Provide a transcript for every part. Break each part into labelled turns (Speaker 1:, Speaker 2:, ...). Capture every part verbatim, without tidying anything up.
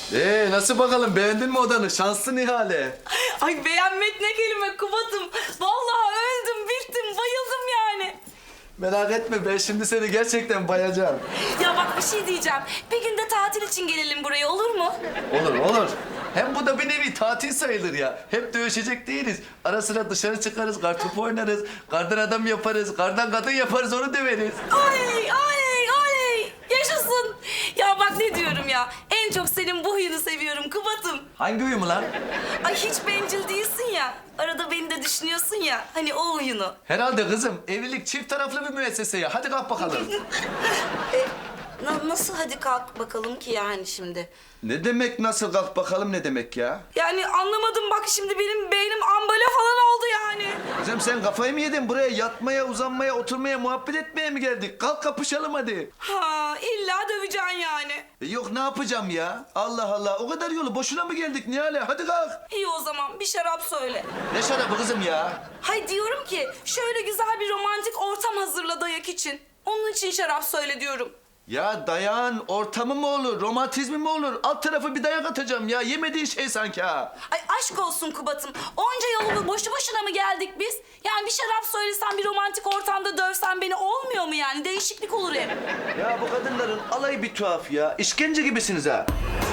Speaker 1: Ee, nasıl bakalım, beğendin mi odanı? Şanslı Nihale.
Speaker 2: Ay beğenmek ne kelime Kubat'ım. Vallahi öldüm, bittim, bayıldım yani.
Speaker 1: Merak etme, ben şimdi seni gerçekten bayacağım.
Speaker 2: Ya bak bir şey diyeceğim. Bir gün de tatil için gelelim buraya, olur mu?
Speaker 1: Olur olur. Hem bu da bir nevi tatil sayılır ya. Hep dövüşecek değiliz. Ara sıra dışarı çıkarız, kartopu oynarız, kardan adam yaparız, kardan kadın yaparız, onu döveriz.
Speaker 2: Oley, oley, oley. Yaşasın. Ya bak ne diyorum ya. En çok senin bu huyunu seviyorum Kubat'ım.
Speaker 1: Hangi uyumu lan?
Speaker 2: Ay hiç bencil değilsin ya. Arada beni de düşünüyorsun ya. Hani o huyunu.
Speaker 1: Herhalde kızım. Evlilik çift taraflı bir müessese ya. Hadi kalk bakalım.
Speaker 2: Na- nasıl hadi kalk bakalım ki yani şimdi?
Speaker 1: Ne demek nasıl kalk bakalım ne demek ya?
Speaker 2: Yani anlamadım bak şimdi benim beynim ambala falan oldu yani.
Speaker 1: Kızım sen kafayı mı yedin? Buraya yatmaya, uzanmaya, oturmaya, muhabbet etmeye mi geldik? Kalk kapışalım hadi.
Speaker 2: Ha illa döveceksin yani.
Speaker 1: E yok ne yapacağım ya? Allah Allah. O kadar yolu boşuna mı geldik Nihale? Hadi kalk.
Speaker 2: İyi o zaman bir şarap söyle.
Speaker 1: Ne şarabı kızım ya?
Speaker 2: Hay diyorum ki şöyle güzel bir romantik ortam hazırla dayak için. Onun için şarap söyle diyorum.
Speaker 1: Ya dayağın ortamı mı olur, romantizmi mi olur? Alt tarafı bir dayak atacağım ya. Yemediğin şey sanki ha.
Speaker 2: Ay aşk olsun Kubat'ım. Onca yolu boşu boşuna mı geldik biz? Yani bir şarap söylesen bir romantik ortamda dövsen beni olmuyor mu yani? Değişiklik olur hep.
Speaker 1: Ya bu kadınların alayı bir tuhaf ya. İşkence gibisiniz ha.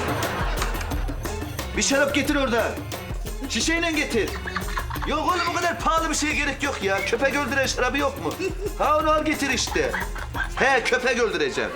Speaker 1: Bir şarap getir oradan. Şişeyle getir. Yok oğlum o kadar pahalı bir şeye gerek yok ya. Köpek öldüren şarabı yok mu? Ha onu al getir işte. He köpek öldüreceğim.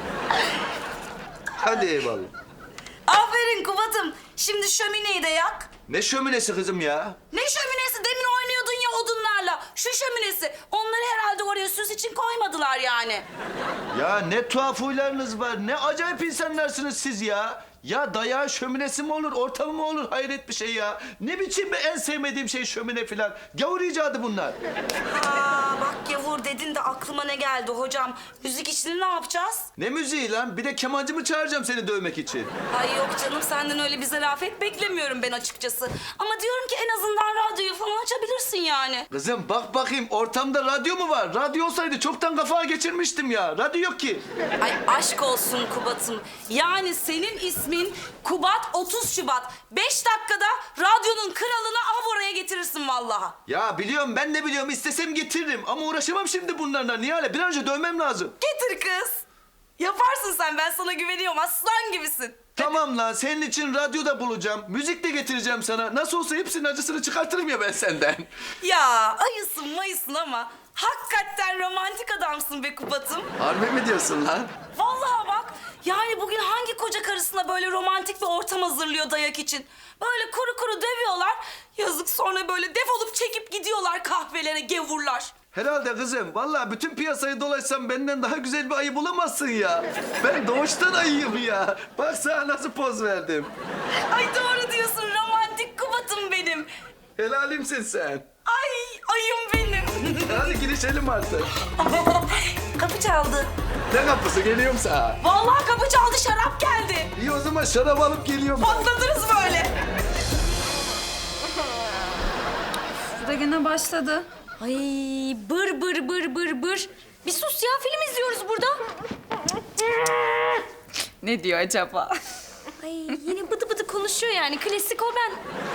Speaker 1: Hadi eyvallah.
Speaker 2: Aferin Kubat'ım. Şimdi şömineyi de yak.
Speaker 1: Ne şöminesi kızım ya?
Speaker 2: Ne şöminesi? Demin oynuyordun ya odunlarla. Şu şöminesi. Onları herhalde oraya süs için koymadılar yani.
Speaker 1: Ya ne tuhaf huylarınız var. Ne acayip insanlarsınız siz ya. Ya dayağı şöminesi mi olur, ortamı mı olur? Hayret bir şey ya. Ne biçim en sevmediğim şey şömine filan. Gavur icadı bunlar.
Speaker 2: Aa, bak gavur dedin de aklıma ne geldi hocam. Müzik işini ne yapacağız?
Speaker 1: Ne müziği lan? Bir de kemancı mı çağıracağım seni dövmek için?
Speaker 2: Ay yok canım senden öyle bir zarafet beklemiyorum ben açıkçası. Ama diyorum ki en azından radyoyu falan açabilirsin yani.
Speaker 1: Kızım bak bakayım ortamda radyo mu var? Radyo olsaydı çoktan kafağa geçirmiştim ya. Radyo yok ki.
Speaker 2: Ay aşk olsun Kubat'ım. Yani senin ismin Kubat otuz Şubat. Beş dakikada radyonun kralını av oraya getirirsin vallahi.
Speaker 1: Ya biliyorum ben de biliyorum istesem getiririm ama uğraşamam şimdi bunlarla. Nihale bir an önce dövmem lazım.
Speaker 2: Getir kız. Yaparsın sen, ben sana güveniyorum, aslan gibisin.
Speaker 1: Tamam lan senin için radyo da bulacağım. Müzik de getireceğim sana. Nasıl olsa hepsinin acısını çıkartırım ya ben senden.
Speaker 2: Ya ayısın mayısın ama hakikaten romantik adamsın be Kubat'ım.
Speaker 1: Harbi mi diyorsun lan?
Speaker 2: Vallahi bak, yani bugün hangi koca karısına böyle romantik bir ortam hazırlıyor dayak için? Böyle kuru kuru dövüyorlar, yazık sonra böyle defolup çekip gidiyorlar kahvelere gevurlar.
Speaker 1: Herhalde kızım. Vallahi bütün piyasayı dolaşsam benden daha güzel bir ayı bulamazsın ya. Ben doğuştan ayıyım ya. Bak sana nasıl poz verdim.
Speaker 2: Ay doğru diyorsun, romantik Kubat'ım benim.
Speaker 1: Helalimsin sen.
Speaker 2: Ay ayım benim.
Speaker 1: Hadi girişelim artık.
Speaker 2: Kapı çaldı.
Speaker 1: Ne kapısı geliyorum sana.
Speaker 2: Vallahi kapı çaldı, şarap geldi.
Speaker 1: İyi o zaman şarap alıp geliyorum.
Speaker 2: Patladınız böyle.
Speaker 3: Bu da gene başladı.
Speaker 4: Ay bır bır bır bır bır. Bir sus ya, film izliyoruz burada.
Speaker 3: Ne diyor acaba?
Speaker 4: Ay yine bıdı bıdı konuşuyor yani, klasik o ben.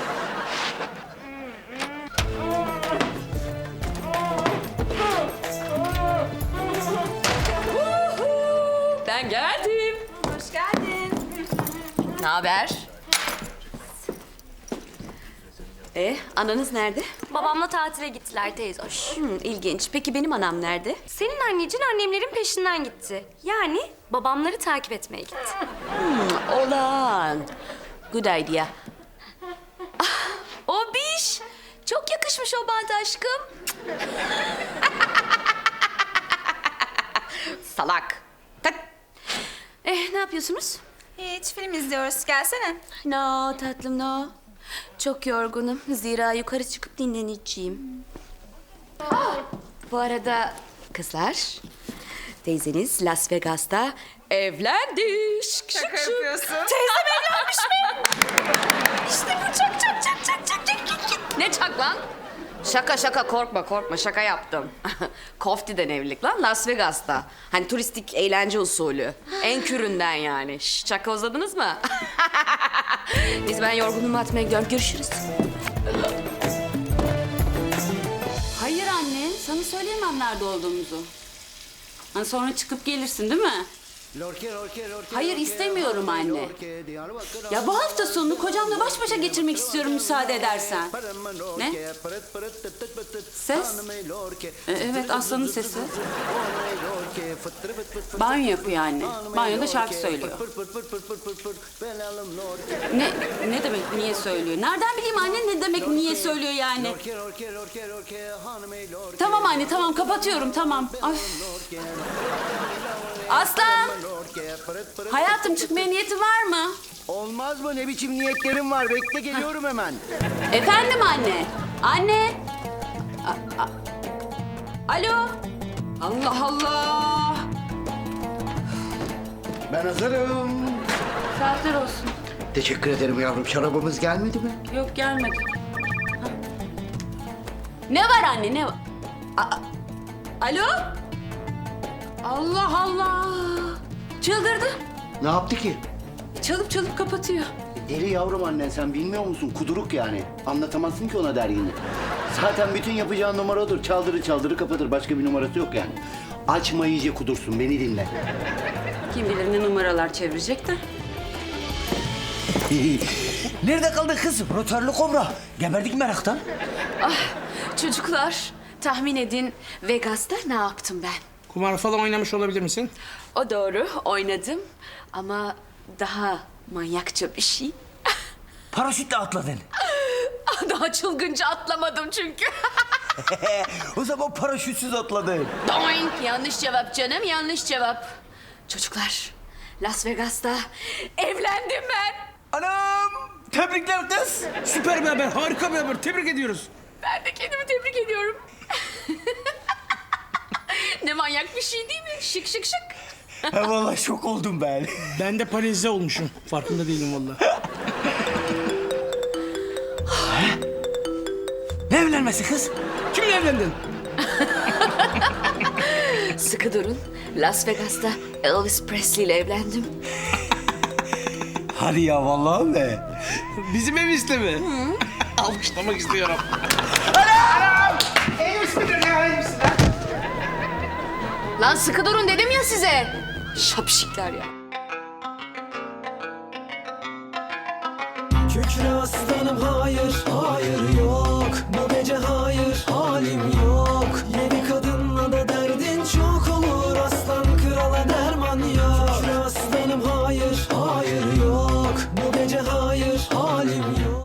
Speaker 3: Ben geldim.
Speaker 2: Hoş geldin.
Speaker 3: Ne haber?
Speaker 5: E, ananız nerede?
Speaker 4: Babamla tatile gittiler teyze hoş.
Speaker 5: Hmm, ilginç. Peki benim anam nerede?
Speaker 4: Senin annecin annemlerin peşinden gitti. Yani babamları takip etmeye gitti.
Speaker 5: Hmm, olan. Good idea.
Speaker 4: O biş. Çok yakışmış o bant aşkım.
Speaker 5: Salak. Tak. Eh, ne yapıyorsunuz?
Speaker 3: Hiç film izliyoruz. Gelsene.
Speaker 5: No tatlım no. Çok yorgunum. Zira yukarı çıkıp dinleneceğim. Ah, bu arada kızlar, teyzeniz Las Vegas'ta evlendi. Şık şık
Speaker 3: Şaka
Speaker 5: şık.
Speaker 3: yapıyorsun.
Speaker 5: Teyzem evlenmiş mi? İşte bu çak çak çak çak çak çak çak çak. Ne çak lan? Şaka şaka korkma korkma şaka yaptım. Kofti'den evlilik lan Las Vegas'ta. Hani turistik eğlence usulü. En küründen yani. Şş, şaka uzadınız mı? ben yorgunumu atmaya gidiyorum. Görüşürüz.
Speaker 6: Hayır anne, sana söyleyemem nerede olduğumuzu. Hani sonra çıkıp gelirsin değil mi? Hayır istemiyorum anne. Ya bu hafta sonunu kocamla baş başa geçirmek istiyorum müsaade edersen. Ne? Ses? E, evet Aslan'ın sesi. Banyo yapıyor anne. Banyoda şarkı söylüyor. Ne ne demek niye söylüyor? Nereden bileyim anne ne demek niye söylüyor yani? Tamam anne tamam kapatıyorum tamam. Ay. Aslan! Hayatım çıkmaya niyetin var mı?
Speaker 7: Olmaz mı? Ne biçim niyetlerim var? Bekle geliyorum hemen.
Speaker 6: Efendim anne? Anne? A- a- Alo? Allah Allah!
Speaker 7: Ben hazırım.
Speaker 6: Saatler olsun.
Speaker 7: Teşekkür ederim yavrum. Şarabımız gelmedi mi?
Speaker 6: Yok gelmedi. Ha. Ne var anne ne var? A- Alo? Allah Allah! Çıldırdı.
Speaker 7: Ne yaptı ki?
Speaker 6: Çalıp çalıp kapatıyor.
Speaker 7: Deli yavrum annen, sen bilmiyor musun? Kuduruk yani. Anlatamazsın ki ona dergini. Zaten bütün yapacağın numara odur. Çaldırı çaldırı kapatır. Başka bir numarası yok yani. Açma iyice kudursun. Beni dinle.
Speaker 6: Kim bilir ne numaralar çevirecek de.
Speaker 8: Nerede kaldı kız? Rotörlü kobra. Geberdik meraktan.
Speaker 5: Çocuklar, tahmin edin Vegas'ta ne yaptım ben?
Speaker 9: Kumar falan oynamış olabilir misin?
Speaker 5: O doğru, oynadım. Ama daha manyakça bir şey.
Speaker 8: Paraşütle atladın.
Speaker 5: Daha çılgınca atlamadım çünkü.
Speaker 8: O zaman paraşütsüz atladın.
Speaker 5: Doink! Yanlış cevap canım, yanlış cevap. Çocuklar, Las Vegas'ta evlendim ben.
Speaker 8: Anam! Tebrikler kız.
Speaker 9: Süper bir haber, harika bir haber. Tebrik ediyoruz.
Speaker 5: Ben de kendimi tebrik ediyorum. Ne manyak bir şey değil mi? Şık şık şık.
Speaker 8: Ha, vallahi şok oldum ben.
Speaker 9: Ben de paralize olmuşum. Farkında değilim vallahi.
Speaker 8: Ne evlenmesi kız?
Speaker 9: Kimle evlendin?
Speaker 5: Sıkı durun. Las Vegas'ta Elvis Presley ile evlendim.
Speaker 8: Hadi ya vallahi be.
Speaker 9: Bizim ev istemi. Alkışlamak istiyorum.
Speaker 5: Lan sıkı durun dedim ya size. Şapşikler ya.
Speaker 10: Kükre aslanım hayır, hayır yok. Bu gece hayır, halim yok. Yedi kadınla da derdin çok olur. Aslan krala derman yok. Kükre aslanım hayır, hayır yok. Bu gece hayır, halim